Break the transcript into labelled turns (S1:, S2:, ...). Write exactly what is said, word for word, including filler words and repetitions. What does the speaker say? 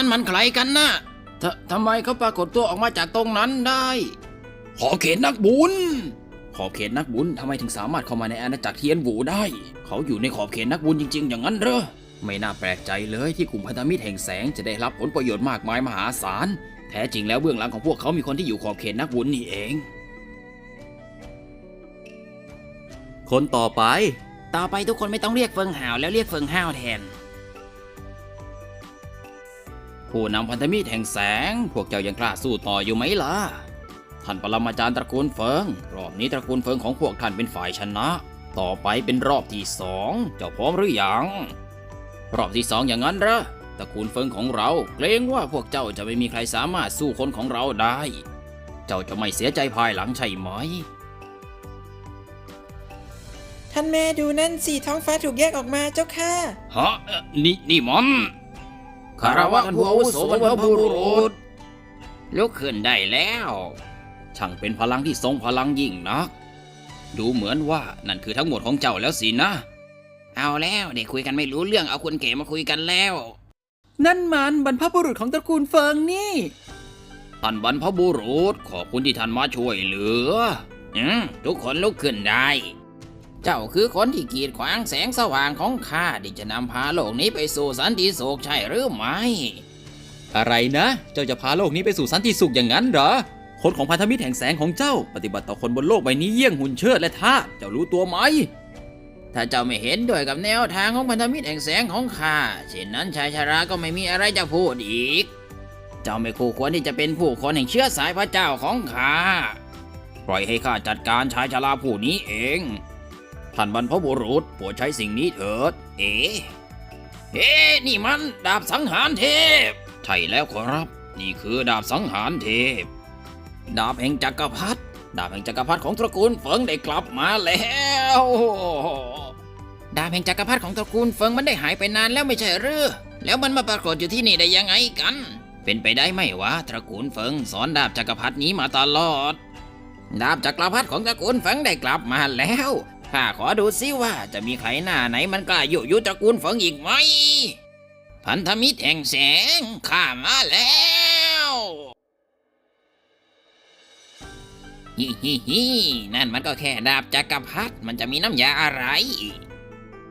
S1: นั้นมันใครกันนะททำไมเขาปรากฏตัวออกมาจากตรงนั้นได้ขอบเขตนักบุญขอบเขตนักบุญทำไมถึงสามารถเข้ามาในอาณาจักรเทียนหูได้เขาอยู่ในขอบเขตนักบุญจริงๆอย่างนั้นเหรอไม่น่าแปลกใจเลยที่กลุ่มพันธมิตรแห่งแสงจะได้รับผลประโยชน์มากมายมหาศาลแท้จริงแล้วเบื้องหลังของพวกเขามีคนที่อยู่ขอบเขตนักบุญนี่เองคนต่อไปต่อไปทุกคนไม่ต้องเรียกเฟิงห่าวแล้วเรียกเฟิงห้าวแทนผู้นำพันธมิตรแห่งแสงพวกเจ้ายังกล้าสู้ต่ออยู่ไหมล่ะท่านปรมาจารย์ตระกูลเฟิงรอบนี้ตระกูลเฟิงของพวกท่านเป็นฝ่ายชนะต่อไปเป็นรอบที่สองเจ้าพร้อมหรือยังรอบที่สองอย่างนั้นเหรอตระกูลเฟิงของเราเกรงว่าพวกเจ้าจะไม่มีใครสามารถสู้คนของเราได้เจ้าจะไม่เสียใจภายหลังใช่ไหม
S2: ท่านแม่ดูนั่นสิท้องฟ้าถูกแยกออกมาเจ้าค่ะ
S1: ฮะนี่นี่มันคารวะท่านผู้อาวุโสบรรพบุรุษลุกขึ้นได้แล้วช่างเป็นพลังที่ทรงพลังยิ่งนักดูเหมือนว่านั่นคือทั้งหมดของเจ้าแล้วสินะเอาแล้วเด็กคุยกันไม่รู้เรื่องเอาคนเก๋มาคุยกันแล้ว
S2: นั่นมันบรรพบุรุษของตระกูลเฟิงนี่
S1: ท่านบรรพบุรุษขอบคุณที่ท่านมาช่วยเหลืออืมทุกคนลุกขึ้นได้เจ้าคือคนที่กีดขวางแสงสว่างของข้าที่จะนำพาโลกนี้ไปสู่สันติสุขใช่หรือไม่
S3: อะไรนะเจ้าจะพาโลกนี้ไปสู่สันติสุขอย่างนั้นเหรอคนของพันธมิตรแห่งแสงของเจ้าปฏิบัติต่อคนบนโลกใบนี้เยี่ยงหุ่นเชิดและทาสเจ้ารู้ตัวไหม
S1: ถ้าเจ้าไม่เห็นด้วยกับแนวทางของพันธมิตรแห่งแสงของข้าเช่นนั้นชายชราก็ไม่มีอะไรจะพูดอีกเจ้าไม่คู่ควรที่จะเป็นผู้คนแห่งเชื้อสายพระเจ้าของข้าปล่อยให้ข้าจัดการชายชราผู้นี้เองท่านบรรพบุรุษโปรดใช้สิ่งนี้เถิดเอ๋เฮ้นี่มันดาบสังหารเทพใช่แล้วครับนี่คือดาบสังหารเทพดาบแห่งจักรพรรดิดาบแห่งจักรพรรดิของตระกูลเฟิงได้กลับมาแล้วดาบแห่งจักรพรรดิของตระกูลเฟิงมันได้หายไปนานแล้วไม่ใช่หรือแล้วมันมาปรากฏอยู่ที่นี่ได้ยังไงกันเป็นไปได้ไหมวะตระกูลเฟิงสอนดาบจักรพรรดินี้มาตลอดดาบจักรพรรดิของตระกูลเฟิงได้กลับมาแล้วข้าขอดูซิว่าจะมีใครหน้าไหนมันกล้ายุยุตระกูลเฟิงอีกไหมพันธมิตรแห่งแสงข้ามาแล้วฮิฮิฮินั่นมันก็แค่ดาบจักรพรรดิมันจะมีน้ำยาอะไร